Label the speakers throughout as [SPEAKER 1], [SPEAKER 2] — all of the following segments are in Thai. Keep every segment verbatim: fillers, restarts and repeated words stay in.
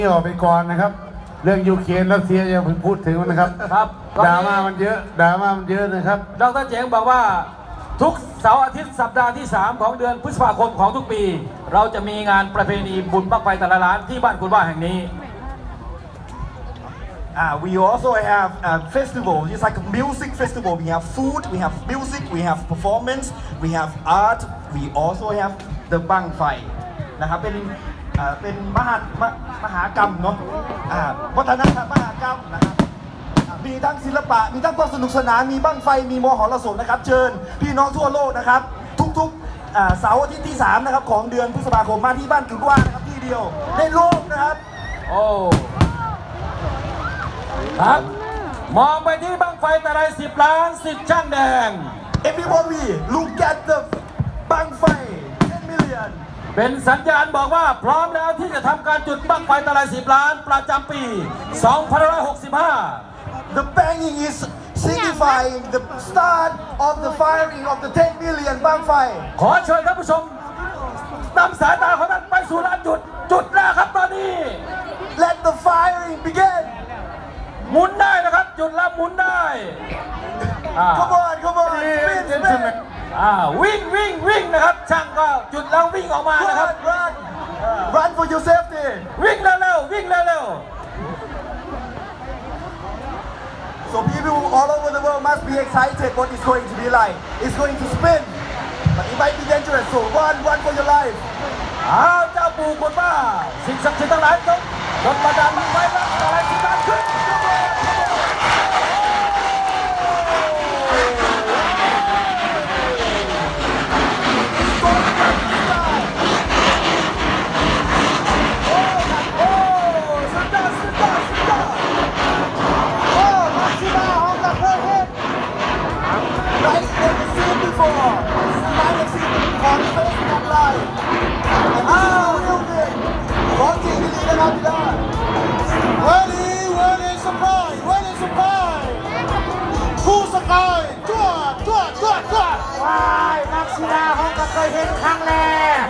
[SPEAKER 1] ออกไปก่อนนะครับเรื่องยูเครนรัสเซียอย่าเพิ่งพูดถึงนะครับ
[SPEAKER 2] ครับ
[SPEAKER 1] ดราม่ามันเยอะดราม่ามันเยอะนะครับ
[SPEAKER 2] ดรเจ๋งบอกว่าทุกเสาร์อาทิตย์สัปดาห์ที่สามของเดือนพฤษภาคมของทุกปีเราจะมีงานประเพณีบุญบั้งไฟแต่ละล้านที่บ้านคุณว่าแห่งนี้
[SPEAKER 3] Uh, we also have a festival. It's like a music festival. We have food, we have music, we have performance, we have art. We also have the บั้งไฟนะครับเป็นอ่าเป็นมหามมหากรรมเนาะอ่าวัฒนธรรมมหากรรมนะครับมีทั้งศิลปะมีทั้งความสนุกสนานมีบั้งไฟมีมหรสพนะครับเชิญพี่น้องทั่วโลกนะครับทุกๆอ่าเสาร์อาทิตย์ที่สามนะครับของเดือนพฤษภาคมมาที่บ้านกุดว่านะครับที่เดียวในโลกนะครับ
[SPEAKER 2] โอ้ครับมองไปที่บั้งไฟแต่ละสิบล้านสิบช่างแดง
[SPEAKER 3] Everybody look at the บั้งไฟten million
[SPEAKER 2] เป็นสัญญาณบอกว่าพร้อมแล้วที่จะทำการจุดบั้งไฟแต่ละสิบล้านประจำปีสองพันห้าร้อยหกสิบห้า
[SPEAKER 3] The banging is signifying the start of the firing of the ten million บั้งไฟ
[SPEAKER 2] ขอเชิญท่านผู้ชมนำสายตาของท่านไปสู่ลานจุดจุดแล้วครับตอนนี้
[SPEAKER 3] Let the firing begin
[SPEAKER 2] หมุนได้นะครับจุดแล้วหมุนได้
[SPEAKER 3] Come on come on spin spin
[SPEAKER 2] อ่าวิ่งวิ่งวิ่งนะครับช่างก็จุดแล้ววิ่งออกมานะครับ
[SPEAKER 3] Run run for your safety
[SPEAKER 2] วิ่งเร็วๆวิ่งเร็ว
[SPEAKER 3] So people all over the world must be excited what it's going to be like. It's going to spin, but it might be dangerous. So run, run for your life.
[SPEAKER 2] อ้าวเจ้าปู่คุณว่าสิ่งศักดิ์สิทธิ์ทั้งหลายจงจงประดานไว้แล้วอะไรที่การขึ้น
[SPEAKER 4] ว้ายนักศิลาเขาก็เคยเห็นครั้งแรก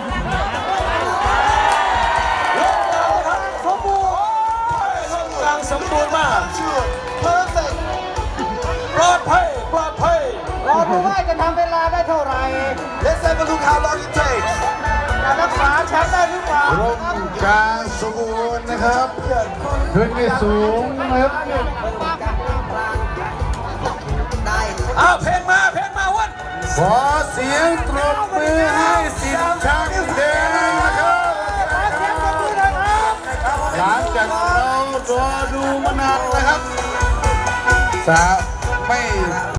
[SPEAKER 2] สมบูรณ์กลางสมบูรณ์มาก
[SPEAKER 3] Perfect.
[SPEAKER 2] ปลอดภัยปลอดภัย
[SPEAKER 4] รอดูว่าจะทำเวลาได้เท่าไหร่
[SPEAKER 3] Let's have a look how long it takes.
[SPEAKER 4] จะรักษาแชมป์ได้หรือเปล่า
[SPEAKER 1] ร่มกลางสมบูรณ์นะครับขึ้นไม่สูงนะครับ
[SPEAKER 2] อ้าวเพลงมาเพลงมาวัน
[SPEAKER 1] ขอเสียงตบมือให้สิบช่างแดงนะครับหลังจากเรารอดูมานานนะครับสาไม่